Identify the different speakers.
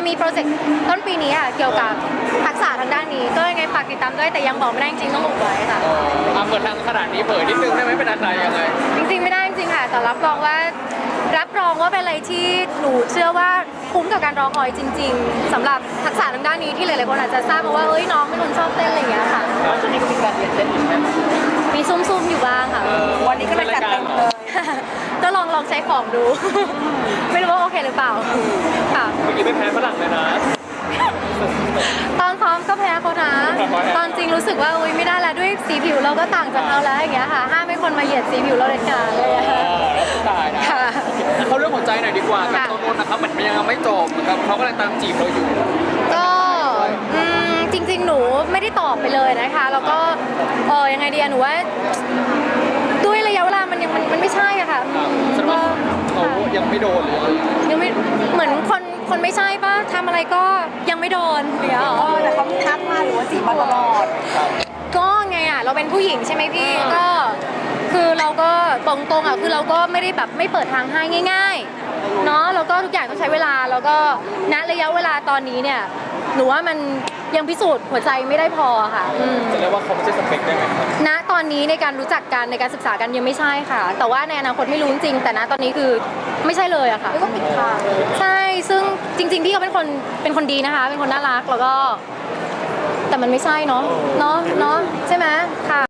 Speaker 1: มีโปรเจกต์ต้นปีนี้ค่ะเกี่ยวกับทักษะทางด้านนี้ก็ยังไงฝากติดตามด้วยแต่ยังบอกไม่ได้จริงๆต้องอุบไว้ค่ะ
Speaker 2: เปิดทางขนาดนี้เผยนิดนึงได้ไหมเป็นอะไรยังไง
Speaker 1: จริงๆไม่ได้จริงๆค่ะแต่รับรองว่าเป็นอะไรที่หนูเชื่อว่าคุ้มกับการรอคอยจริงๆสำหรับทักษะทางด้านนี้ที่หลายๆคนอาจจะทราบมาว่าเอ้ยน้องเป็นคนชอบเต้นอะไรอย่างเงี้ยค่ะ
Speaker 2: ช่วงนี้ก็มีการเรียนเต้นอยู่ไหม
Speaker 1: มีซุ่มๆอยู่บ้างค่ะ
Speaker 3: วันนี้ก็เลยจัดเต็มเลย
Speaker 1: ก็ลองใช้ของดู ไม่รู้ว่าโอเคหรือเปล่าค่ะ
Speaker 2: เมื่อกี้ไม่แพ้ฝรั่งเลยนะ
Speaker 1: ตอนซ้อมก็แพ้เขานะตอนจริงรู้สึกว่าอุ้ยไม่ได้แล้วด้วยสีผิวเราก็ต่างจากเขาแล้วอย่างเงี้ยค่ะห้ามให้คนมาเหยียดสีผิวเราเด็ดขาดเลยค่ะ
Speaker 2: ตายนะเขาเรื่องหัวใจหน่อยดีกว่ากับต้นนะครับมันยังไม่จบเหมือนกับเขากำลังตามจีบเราอยู่
Speaker 1: ก็จริงๆหนูไม่ได้ตอบไปเลยนะคะแล้วก็ยังไงดีหนูว่าด้วยระยะเวลามันไม่ใช่อะค่ะ
Speaker 2: แสดงว่าเขายังไม่โดนเลย
Speaker 1: ยังไม่เหมือนคนไม่ใช่ป่ะทำอะไรก็ยังไม่โดนอย่างเงี้ย
Speaker 3: แต่เขาทักมาหรือว่าจีบมาตลอด
Speaker 1: ก็ไงเราเป็นผู้หญิงใช่ไหมพี่ก็คือเราก็ตรงๆคือเราก็ไม่ได้แบบไม่เปิดทางให้ง่ายๆเนาะแล้วก็ทุกอย่างต้องใช้เวลาแล้วก็ณระยะเวลาตอนนี้เนี่ยหนูว่ามันยังพิสูจน์หัวใจไม่ได้พอค่ะ
Speaker 2: จะเรียกว่าเขาไม่ใช่สเปคได้ไหมครับ
Speaker 1: ณตอนนี้ในการรู้จักกันในการศึกษากันยังไม่ใช่ค่ะแต่ว่าในอนาคตไม่รู้จริงแต่ณตอนนี้คือไม่ใช่เลยอะค่ะ
Speaker 3: ก็ปิดทาง
Speaker 1: ใช่ซึ่งจริงๆพี่เขาเป็นคนดีนะคะเป็นคนน่ารักแล้วก็แต่มันไม่ใช่เนาะใช่ไหมค่ะ